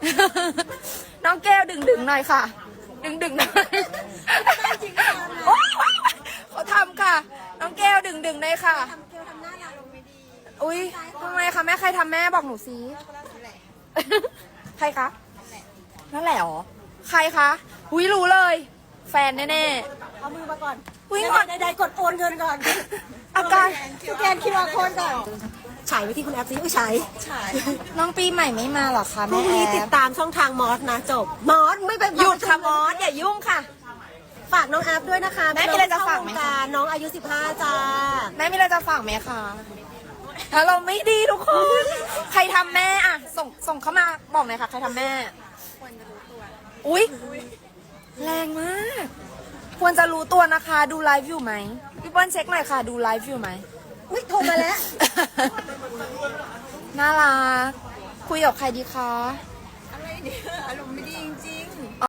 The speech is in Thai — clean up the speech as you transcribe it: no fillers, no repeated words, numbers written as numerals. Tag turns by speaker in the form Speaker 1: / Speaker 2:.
Speaker 1: น้องแก้วดึงหน่อยค่ะ ดึงหน่อยโอ๊ยเขาทำค่ะ น้องแก้วดึงหน่อยค่ะอุ้ยทำไมคะแม่ใครทำแม่บอกหนูสิใครคะนั่นแหละหรอใครคะอุ้ยรู้เลย แฟนแน่ๆ
Speaker 2: เอามือมาก่อน
Speaker 1: อุ้ยก่อน
Speaker 2: ใดๆกดโอนเงินก่อน
Speaker 1: อาการ
Speaker 2: สแกนคิวอาร์โค้ดก่อนฉายไปที่คุณแอปซิอุ้ยฉาย
Speaker 1: น้องปีใหม่ไม่มาหรอคะ
Speaker 2: พรุ่
Speaker 1: แม่
Speaker 2: งนี้
Speaker 1: แอ
Speaker 2: ติด
Speaker 1: ฟ
Speaker 2: ตามช่องทางมอสนะจบมอสไม่เป็น
Speaker 1: หยุดค่ะมอสอย่ายุ่งค่ะ
Speaker 2: ฝากน้องแอปด้วยนะคะ
Speaker 1: แม่มีอะไรจะฝากไหม
Speaker 2: น้องเข้วงรน้องอายุ15จ้า
Speaker 1: แม่มีอะไรจะฝากไหมคะถ้าเราไม่ดีทุกคน ใครทำแม่อะส่งเข้ามาบอกหน่อยค่ะ ใครทำแม่ควรจะรู้ตัวอุ๊ยแรงมาก ควรจะรู้ตัวนะคะ ดูไลฟ์อยู่ไหมพี่เปิ้ลเช็คหน่อยค่ะ ดูไลฟ์อยู่ไหม
Speaker 2: อุ้ยโทรมาแล้ว
Speaker 1: น่ารักคุยกับใครดีคะ
Speaker 3: อะไรเนี่ยอารมณ์ไม่ดี